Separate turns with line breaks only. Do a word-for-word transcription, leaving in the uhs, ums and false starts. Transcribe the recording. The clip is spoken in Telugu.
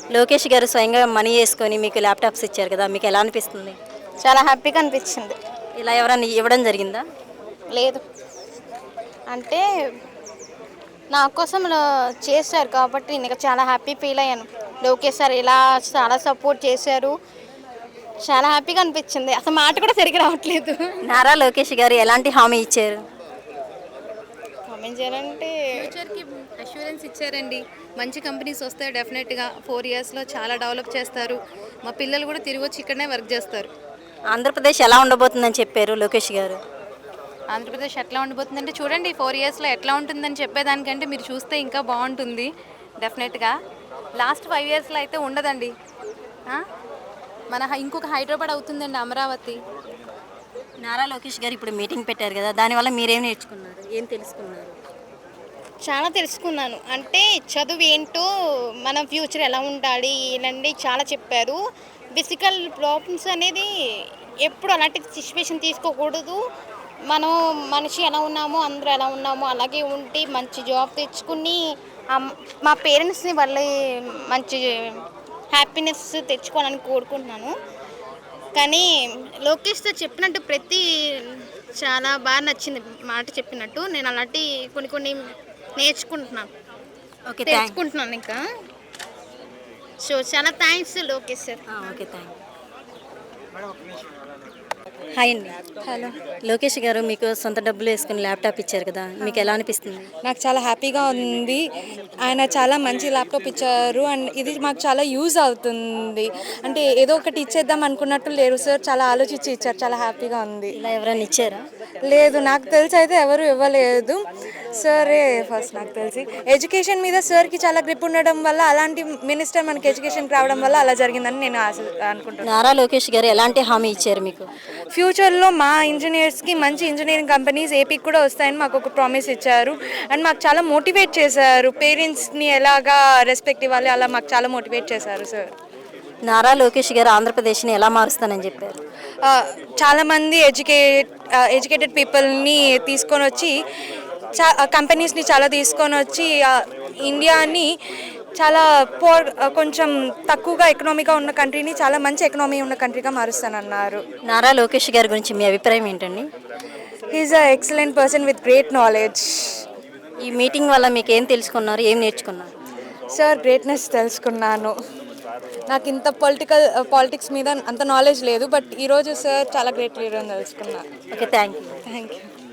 లోకేష్ గారు స్వయంగా మనీ వేసుకొని మీకు ల్యాప్టాప్స్ ఇచ్చారు కదా, మీకు ఎలా అనిపిస్తుంది?
చాలా హ్యాపీగా అనిపించింది.
ఇలా ఎవరైనా ఇవ్వడం జరిగిందా?
లేదు అంటే నా కోసం లా- చేశారు కాబట్టి నేను చాలా హ్యాపీ ఫీల్ అయ్యాను. లోకేష్ సార్ ఇలా చాలా సపోర్ట్ చేశారు. చాలా హ్యాపీగా అనిపించింది. అసలు మాట కూడా సరిగ్గా రావట్లేదు.
నారా లోకేష్ గారు ఎలాంటి హామీ ఇచ్చారు?
కామెంట్ చేయాలంటే
ఫ్యూచర్కి అష్యూరెన్స్ ఇచ్చారండి. మంచి కంపెనీస్ వస్తాయి డెఫినెట్గా. ఫోర్ ఇయర్స్లో చాలా డెవలప్ చేస్తారు. మా పిల్లలు కూడా తిరిగి వచ్చి ఇక్కడనే వర్క్ చేస్తారు.
ఆంధ్రప్రదేశ్ ఎలా ఉండబోతుందని చెప్పారు లోకేష్ గారు?
ఆంధ్రప్రదేశ్ ఎట్లా ఉండిపోతుందంటే చూడండి, ఫోర్ ఇయర్స్లో ఎట్లా ఉంటుందని చెప్పేదానికంటే మీరు చూస్తే ఇంకా బాగుంటుంది డెఫినెట్గా. లాస్ట్ ఫైవ్ ఇయర్స్లో అయితే ఉండదండి. ఆ? మన హై- ఇంకొక హైదరాబాద్ అవుతుందండి అమరావతి.
నారా లోకేష్ గారు ఇప్పుడు మీటింగ్ పెట్టారు కదా, దానివల్ల మీరేం నేర్చుకున్నారు, ఏం తెలుసుకున్నారు?
చాలా తెలుసుకున్నాను. అంటే చదువు ఏంటో, మన ఫ్యూచర్ ఎలా ఉండాలి ఇలాంటి చాలా చెప్పారు. ఫిజికల్ ప్రాబ్లమ్స్ అనేది ఎప్పుడు అలాంటి సిచ్యువేషన్ తీసుకోకూడదు. మనం మనిషి ఎలా ఉన్నామో అందరూ ఎలా ఉన్నామో అలాగే ఉండి మంచి జాబ్ తెచ్చుకుని అమ్- మా పేరెంట్స్ని వాళ్ళ మంచి హ్యాపీనెస్ తెచ్చుకోవాలని కోరుకుంటున్నాను. కానీ లోకేష్ సార్ చెప్పినట్టు ప్రతి చాలా బాగా నచ్చింది మాట చెప్పినట్టు. నేను అలాంటి కొన్ని కొన్ని నేర్చుకుంటున్నాను,
ఓకే, థ్యాంక్
తెలుసుకుంటున్నాను ఇంకా. సో చాలా thanks Lokesh sir.
Okay, thank hi అండి.
హలో,
లోకేష్ గారు మీకు సొంత డబ్బులు వేసుకుని ల్యాప్టాప్ ఇచ్చారు కదా, మీకు ఎలా అనిపిస్తుంది?
నాకు చాలా హ్యాపీగా ఉంది. ఆయన చాలా మంచి ల్యాప్టాప్ ఇచ్చారు అండ్ ఇది మాకు చాలా యూజ్ అవుతుంది. అంటే ఏదో ఒకటి ఇచ్చేద్దాం అనుకున్నట్టు లేరు సార్, చాలా ఆలోచించి ఇచ్చారు. చాలా హ్యాపీగా ఉంది.
ఇలా ఎవరైనా ఇచ్చారా?
లేదు, నాకు తెలిసి అయితే ఎవరు ఇవ్వలేదు. సరే, ఫస్ట్ నాకు తెలిసి ఎడ్యుకేషన్ మీద సార్కి చాలా గ్రిప్ ఉండడం వల్ల అలాంటి మినిస్టర్ మనకి ఎడ్యుకేషన్కి రావడం వల్ల అలా జరిగిందని నేను ఆశ అనుకుంటున్నాను.
నారా లోకేష్ గారు ఎలాంటి హామీ ఇచ్చారు మీకు?
ఫ్యూచర్లో మా ఇంజనీర్స్కి మంచి ఇంజనీరింగ్ కంపెనీస్ ఏపీకి కూడా వస్తాయని మాకు ఒక ప్రామిస్ ఇచ్చారు అండ్ మాకు చాలా మోటివేట్ చేశారు. పేరెంట్స్ని ఎలాగా రెస్పెక్ట్ ఇవ్వాలి అలా మాకు చాలా మోటివేట్ చేశారు సార్.
నారా లోకేష్ గారు ఆంధ్రప్రదేశ్ని ఎలా మారుస్తానని చెప్పారు?
ఆ, చాలామంది ఎడ్యుకేట్ ఎడ్యుకేటెడ్ పీపుల్ని తీసుకొని వచ్చి చా కంపెనీస్ని చాలా తీసుకొని వచ్చి ఆ, ఇండియాని చాలా పోర్ కొంచెం తక్కువగా ఎకనామీగా ఉన్న కంట్రీని చాలా మంచి ఎకనామీ ఉన్న కంట్రీగా మారుస్తానన్నారు.
నారా లోకేష్ గారి గురించి మీ అభిప్రాయం ఏంటండి?
He's a excellent person with great knowledge.
ఈ మీటింగ్ వల్ల మీకు ఏం తెలుసుకున్నారు, ఏం నేర్చుకున్నారు?
సార్ గ్రేట్నెస్ తెలుసుకున్నాను. నాకు ఇంత పొలిటికల్ పాలిటిక్స్ మీద అంత నాలెడ్జ్ లేదు, బట్ ఈరోజు సార్ చాలా గ్రేట్ లీడర్ అని తెలుసుకున్నాను.
Okay, thank you.
Thank you.